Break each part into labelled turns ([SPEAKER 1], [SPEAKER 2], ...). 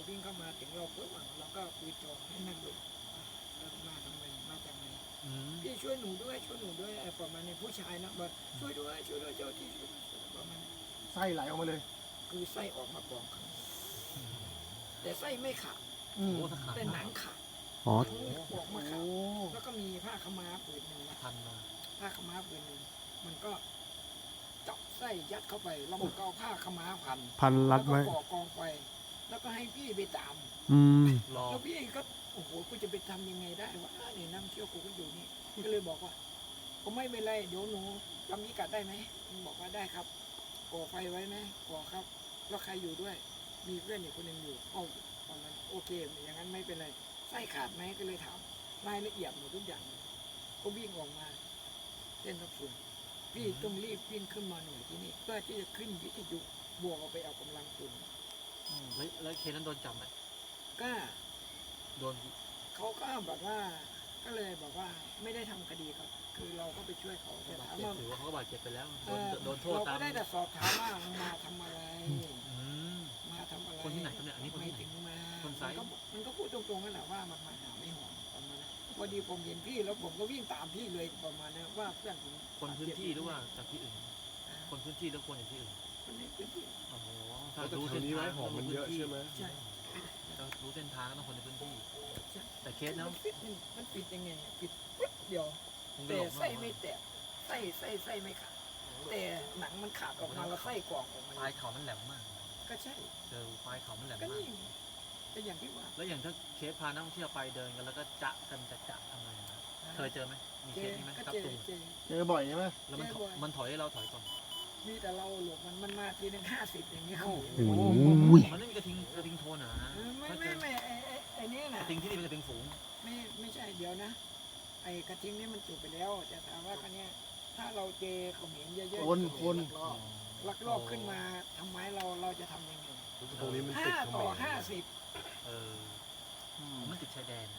[SPEAKER 1] วิ่งเข้ามาถึงเราปุ๊บเราก็คุยจองให้นั่งดูแล้วมาทำไมมาจากไหนพี่ช่วยหนูด้วยช่วยหนูด้วยประมาณนี้ผู้ชายนะบอกช่วยด้วยช่วยด้วยเจ้าที่ช่วยด้วยประมาณนี้
[SPEAKER 2] ไส้ไหลออกมาเลย
[SPEAKER 1] คือไส้ออกมากองข้างในแต่ไส้ไม่ขาด
[SPEAKER 2] อืม
[SPEAKER 1] แต่หนังขาด
[SPEAKER 3] อ๋อ
[SPEAKER 1] หนังออกมาขาดแล้วก็มีผ้าขาวม้าผืนหนึ่งนะ
[SPEAKER 4] พันมา
[SPEAKER 1] ผ้าขาวม้าผืนหนึ่งมันก็จับไส้ยัดเข้าไปแล้วมันก็เอาผ้าขาวม้าพัน
[SPEAKER 3] พันรัดไว้
[SPEAKER 1] แล้วก็ก่อกองไฟแล้วก็ให้พี่ไปตาม
[SPEAKER 3] อืม
[SPEAKER 4] รอ
[SPEAKER 1] แล้วพี่ก็โอ้โหกูจะไปทำยังไงได้วะนี่นั่งเที่ยวกูก็อยู่นี่ก็เลยบอกว่าผมไม่เป็นไรเดี๋ยวหนูจำพิกัดได้ไหมมันบอกว่าได้ครับก่อไฟไว้ไหมก่อครับแล้วใครอยู่ด้วย มีเพื่อนอีกคนหนึ่งอยู่เอาตอนนั้นโอเคอย่างนั้นไม่เป็นไรไส้ขาดไหมก็เลยถามรายละเอียดหมดทุกอย่างเลยก็วิ่งออกมาเส้นทับส่วนพี่ต้องรีบวิ่งขึ้นมาหน่วยที่นี่เพื่อที่จะขึ้นวิทยุบวกเอาไปเอากำลังตุน
[SPEAKER 4] แล้วเคสนั้นโดนจับไหม
[SPEAKER 1] ก็
[SPEAKER 4] โดน
[SPEAKER 1] เขาก็แบบว่าก็เลยบอกว่าไม่ได้ทำคดีครับ คือเราก็ไปช่วยเขาแต่
[SPEAKER 4] บาด
[SPEAKER 1] ถาม
[SPEAKER 4] เจ็บ
[SPEAKER 1] ว่า
[SPEAKER 4] ถือว่าเขาก็บาดเจ็บไปแล้ว
[SPEAKER 1] เออ
[SPEAKER 4] โดนโทษ
[SPEAKER 1] เรา
[SPEAKER 4] ตา
[SPEAKER 1] ก็
[SPEAKER 4] ม
[SPEAKER 1] ได้แต่สอบถามว่ามาทำอะไร
[SPEAKER 4] อืม
[SPEAKER 1] มาทำอะไร
[SPEAKER 4] คนที่ไหนครับเนี่ยอันนี้คนที่ไหน
[SPEAKER 1] ไม่ถึงมา
[SPEAKER 4] คนไซส์
[SPEAKER 1] มันก็พูดตรงๆนั่นแหละว่ามันมาหาไม่หอมประมาณนั้นพอดีผมเห็นพี่แล้วผมก็วิ่งตามพี่เลยประมาณนั้นว่าเพื่อนผม
[SPEAKER 4] คนพื้นที่หรือว่าจากที่อื่น คนพื้นที่หรือคนจากที่อื่น
[SPEAKER 1] คนในพื้นที่
[SPEAKER 4] โอ้โห
[SPEAKER 5] แต่แถวนี้ไม้หอมมันเยอะใช่ไหม
[SPEAKER 1] ใช่
[SPEAKER 4] เรารู้เส้นทางก็ต้องคนในพื้นที่
[SPEAKER 1] ใช่
[SPEAKER 4] แต่เคสนะ
[SPEAKER 1] มันปิดยังไงปิดปึ๊บเดียว
[SPEAKER 4] คงจะ
[SPEAKER 1] แต่
[SPEAKER 4] หลบ
[SPEAKER 1] ไส้ไม่แตกไส้ไม่ขาดแต่หนังมันขาดออกมาแล้วไส้กรองออกมา
[SPEAKER 4] ปลายเขามันแหลมมาก
[SPEAKER 1] ก็ใช่
[SPEAKER 4] เจอปลายเขามันแหลม
[SPEAKER 1] ก็
[SPEAKER 4] มาก
[SPEAKER 1] นี่เป็นอย่างที่ว่า
[SPEAKER 4] แล้วอย่างถ้าเคสพานักท่องเที่ยวไปเดินกันแล้วก็จะกันจะทำไงนะเคยเจอไหมมี
[SPEAKER 1] เจ
[SPEAKER 4] เค
[SPEAKER 1] อ
[SPEAKER 4] สนี้ไหม
[SPEAKER 1] ก็
[SPEAKER 4] ครับ
[SPEAKER 1] เจอ
[SPEAKER 4] ตุง
[SPEAKER 1] เจอ
[SPEAKER 2] เจอบ่อยใช่ไหม
[SPEAKER 4] แล้วมัน
[SPEAKER 1] เจอบ่อย
[SPEAKER 4] มันถอยให้เราถอยก่อน
[SPEAKER 1] มีแต่เราหลบมันมาทีหนึ่ง50อย่างเงี้ยครับ
[SPEAKER 3] โอ้โห
[SPEAKER 4] มันไม่มีกระทิงโทนเหรอฮะ
[SPEAKER 1] ไม่ไอ้นี่
[SPEAKER 4] ก
[SPEAKER 1] นะ
[SPEAKER 4] ระทิงที่นี่เป็นกระทิงฝูง
[SPEAKER 1] ไม่ใช่เดี๋ยวนะ ไอ้กระทิงนี่มันจุดไปแล้วแต่ถามว่าคันนี้ยถ้าเราเจอเขมรเยอะๆ
[SPEAKER 2] คน
[SPEAKER 1] ลักลอบขึ้นมาทำไมเราจะทำยังไง
[SPEAKER 5] ตรงนี้มันติด
[SPEAKER 1] 5
[SPEAKER 5] เข
[SPEAKER 1] ต่
[SPEAKER 5] ม
[SPEAKER 1] อ
[SPEAKER 5] ร
[SPEAKER 1] 50
[SPEAKER 4] เออมันติดชายแดน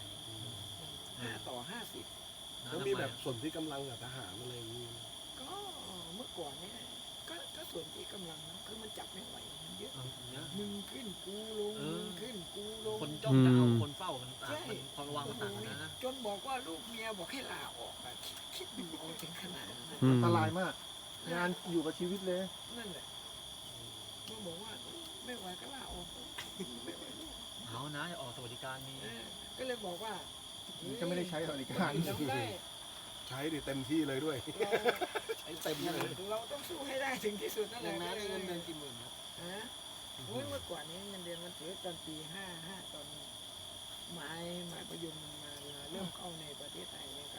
[SPEAKER 1] 5 ต่อ 50
[SPEAKER 5] แล้วมีแบบส่วนที่กำลังกับทหารอะไรอย่างนี้
[SPEAKER 1] ก็เมื่อก่อนเนี่ยก็ส่วนที่กำลังนะคือมันจับไม่ไหวมันเยอะ
[SPEAKER 4] เยอะ
[SPEAKER 1] มึงขึ้นกูลงมึงขึ้นกูลง
[SPEAKER 4] คนจ้องจะเอาคนเฝ้ามันต่างมันความระวังมันต่างกันนะ
[SPEAKER 1] จนบอกว่าลูกเมียบอกให้ลาออกอะคิดดูเอาถึงขนาดนั้นนะ
[SPEAKER 3] อืม
[SPEAKER 2] อันตรายมาก งานอยู่กับชีวิตเลย
[SPEAKER 1] นั่นแหละมันบอกว่าไม่ไหวก็ลาออกไม่ไหวลูก
[SPEAKER 4] เอานะออกสวัสดิการมี
[SPEAKER 1] ก็เลยบอกว่า
[SPEAKER 2] จะไม่ได้ใช้บริการ
[SPEAKER 1] เราได้
[SPEAKER 5] ใช้ดิเต็มที่เลยด้วย ใช้เต็มเลย
[SPEAKER 1] เราต้องสู้ให้ได้ถึงที่สุดนั่นแหละ
[SPEAKER 6] อย่างนั้นเงินเดือนกี่หมื่นครับ
[SPEAKER 1] ฮะโอ้ยเมื่อก่อนนี้เงินเดือนมันถือตอนปี55ตอนไม้ประยุมมันมาเริ่มเข้าในประเทศไทยเนี่ย